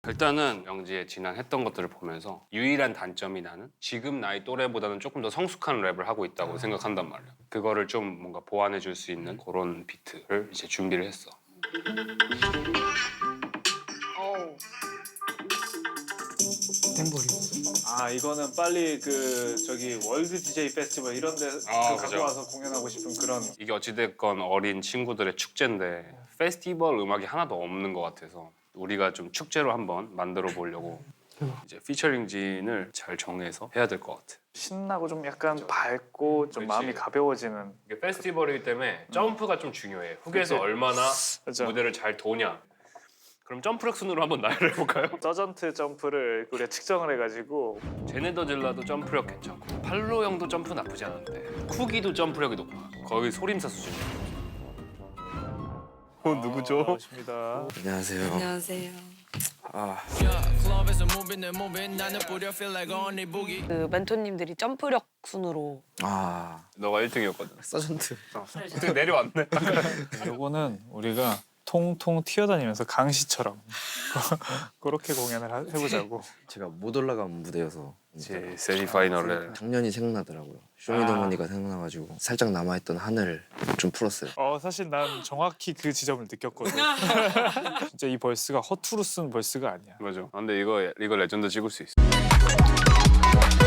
일단은 영지의 지난 했던 것들을 보면서 유일한 단점이 나는 지금 나이 또래보다는 조금 더 성숙한 랩을 하고 있다고 생각한단 말이야. 그거를 좀 뭔가 보완해 줄 수 있는 그런 비트를 이제 준비를 했어. 땡벌이. 아 이거는 빨리 그 저기 월드 DJ 페스티벌 이런 데 아, 갖고 그죠. 와서 공연하고 싶은 그런. 이게 어찌됐건 어린 친구들의 축제인데 페스티벌 음악이 하나도 없는 것 같아서 우리가 좀 축제로 한번 만들어 보려고 이제 피처링진을 잘 정해서 해야 될 것 같아. 신나고 좀 약간 밝고 좀 그치. 마음이 가벼워지는. 이게 페스티벌이기 때문에 점프가 좀 중요해. 훅에서 그치. 얼마나 그죠. 무대를 잘 도냐. 그럼 점프력 순으로 한번 나열해 볼까요? 서전트 점프를 우리가 측정을 해가지고 제네더 질라도 점프력 괜찮고 팔로 형도 점프 나쁘지 않은데 쿠기도 점프력이 높아. 거의 소림사 수준이야. 누구죠? 나오십니다. 안녕하세요. 안녕하세요. 아, 그 멘토님들이 점프력 순으로 너가 1등이었거든. 서전트. 어떻게 내려왔네. 요거는 우리가 통통 튀어다니면서 강시처럼 그렇게 공연을 해보자고. 제가 못 올라간 무대여서 이제 세미파이널에 작년이 생각나더라고요. 쇼미더머니가 생각나가지고 살짝 남아있던 하늘을 좀 풀었어요. 사실 난 정확히 그 지점을 느꼈거든. 진짜 이 벌스가 허투루 쓴 벌스가 아니야. 맞아. 근데 이거 레전드 찍을 수 있어.